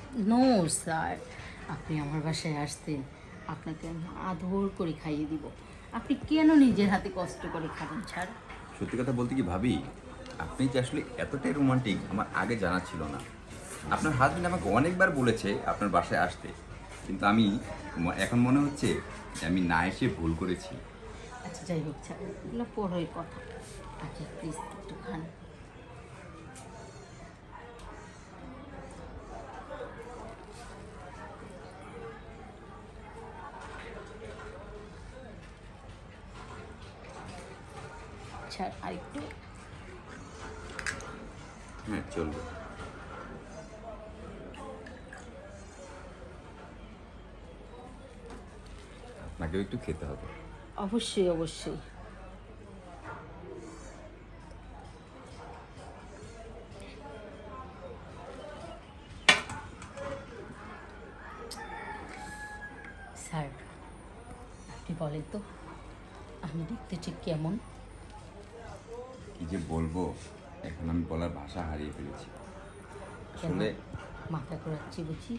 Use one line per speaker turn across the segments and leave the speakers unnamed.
No sir, আপনি আমার বাসায় আসতেন, আপনাকে আমি আদর করে খাইয়ে দিব। আপনি কেন নিজের হাতে কষ্ট করে খাবেন স্যার?
সত্যি কথা বলতে কি ভাবি, আপনি যে আসলে এতটাই রোমান্টিক আমার আগে জানা ছিল না। আপনার হাজবেন্ড আমাকে অনেকবার বলেছে আপনার বাসায় আসতে, কিন্তু আমি এখন মনে হচ্ছে যে আমি না এসে ভুল করেছি।
আচ্ছা যাই হোক স্যার, এগুলো পরের কথা। আচ্ছা প্লিজ একটু খান। স্যার আরেকটু।
হ্যাঁ, চলবে। আপনাকেও একটু খেতে হবে।
অবশ্যই অবশ্যই। স্যার আপনি বলেন তো, আমি দেখতে ঠিক কেমন?
কি যে বলবো, এখন আমি বলার ভাষা হারিয়ে ফেলেছি।
কেন
আসলে
মাথা ঘোরাচ্ছি বুঝি?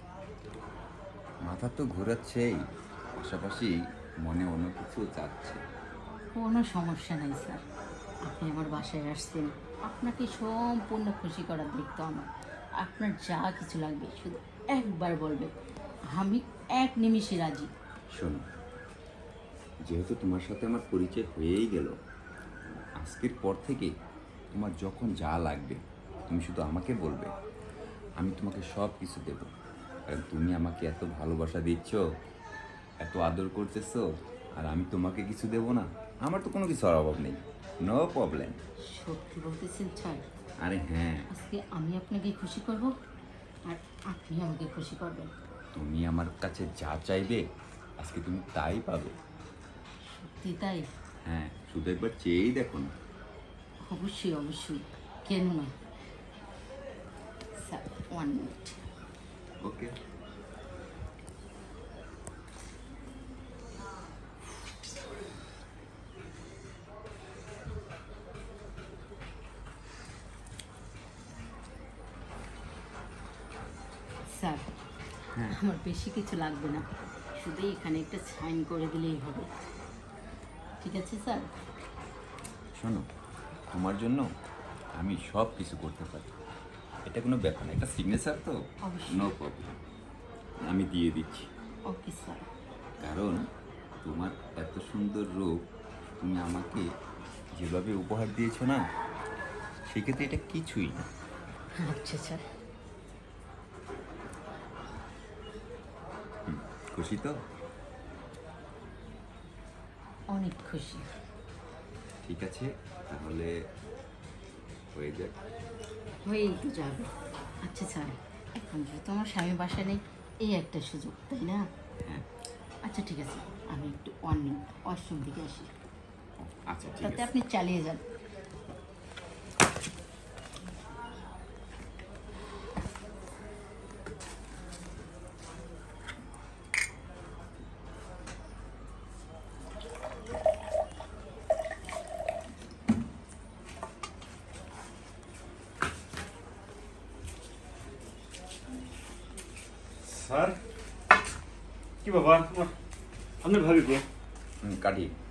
মাথা তো ঘোরাচ্ছেই, পাশাপাশি মনে অন্য কিছু চাচ্ছে।
কোনো সমস্যা নাই স্যার, আপনি আমার বাসায় আসছেন, আপনাকে সম্পূর্ণ খুশি করার দায়িত্ব আমার। আপনার যা কিছু লাগবে শুধু একবার বলবেন, আমি এক নিমিষে রাজি।
শোনো, যেহেতু তোমার সাথে আমার পরিচয় হয়েই গেল, আজকের পর থেকে তোমার যখন যা লাগবে তুমি শুধু আমাকে বলবে, আমি তোমাকে সব কিছু দেবো। কারণ তুমি আমাকে এত ভালোবাসা দিচ্ছ, এত আদর করতেছো, আর আমি তোমাকে কিছু দেবো না? আমার তো কোনো কিছুর অভাব নেই। No problem.
সত্যি বলতেছেন স্যার?
আরে হ্যাঁ,
আজকে আমি আপনাকে খুশি করব, আর আপনি আমাকে খুশি করবেন।
তুমি আমার কাছে যা চাইবে আজকে তুমি তাই পাবে।
সত্যি তাই?
হ্যাঁ, শুধু একবার চেয়েই দেখো না।
অবশ্যই অবশ্যই, কেন না। Sir 1 minute.
ওকে।
স্যার
হ্যাঁ,
আমার বেশি কিছু লাগবে না, শুধু এখানে একটা সাইন করে দিলেই হবে। ঠিক আছে স্যার?
শোনো, তোমার জন্য আমি সব কিছু করতে পারি। এটা কোনো ব্যাপার না, এটা সিগনেচার তো।
অবশ্যই।
নো প্রবলেম, আমি দিয়ে দিচ্ছি।
Okay sir.
কারণ তোমার এত সুন্দর রূপ তুমি আমাকে যেভাবে উপহার দিয়েছো না, সেক্ষেত্রে এটা কিছুই না।
আচ্ছা স্যার।
খুশি তো?
অনেক খুশি।
ঠিক আছে, তাহলে হয়ে যাক।
হয়েই তো যাবে। আচ্ছা স্যার, এখন যেহেতু আমার স্বামী বাসা নেই, এই একটা সুযোগ তাই না?
হ্যাঁ,
আচ্ছা ঠিক আছে, আমি একটু 1 মিনিট ওয়াশরুম থেকে আসি,
আচ্ছা ঠিক
তাতে
আছে।
আপনি চালিয়ে যান।
স্যার, কি বাবা আপনার ভাবি গো?
কাটি।